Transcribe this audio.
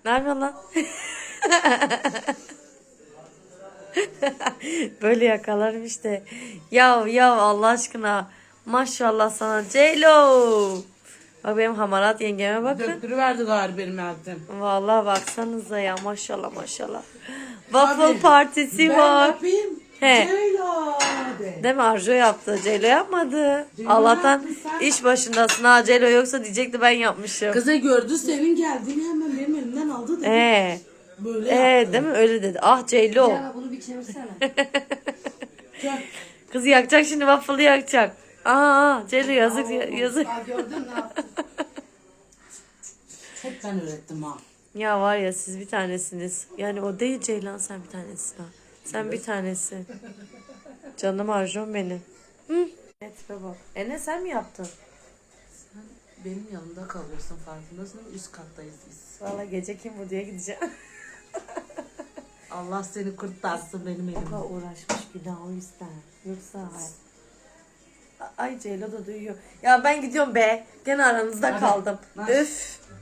Ne yapıyorsun lan? Böyle yakalarım işte. Ya Allah aşkına. Maşallah sana Ceylo. Bak benim hamarat yengeme bakın. Döktürüverdi galiba benim eldim. Vallahi baksanıza ya maşallah maşallah. Waffle Hadi. partisi Ben var. yapayım. He. Ceyla de. Değil mi? Arjo yaptı. Ceylo yapmadı. Ceylo Allah'tan yaptı sen. iş başındasın ha. Ceylo yoksa diyecekti ben yapmışım. Kızı gördü senin geldiğini hemen benim elimden aldı dedi. Böyle yaptı. Değil mi? Öyle dedi. Ah Ceylo. Ya bunu bir çevirsene. Gel. Kızı yakacak şimdi waffle'ı yakacak. Ceylo yazık yazık. Aa, gördün ne yaptın? Hep ben öğrettim ha. Ya var ya siz bir tanesiniz. Yani o değil Ceylan sen bir tanesin ha. Sen bir tanesin. Canım Arjun benim. Hı? Evet baba. Enes sen mi yaptın? Sen benim yanımda kalıyorsun farkındasın. Üst kattayız biz. Valla gece kim bu diye gideceğim. Allah seni kurtarsın benim O elimden. kadar uğraşmış günah o yüzden. Yoksa ay Ceylo da duyuyor. Ya ben gidiyorum be. Gene aranızda Hadi. kaldım. Hadi. Üf.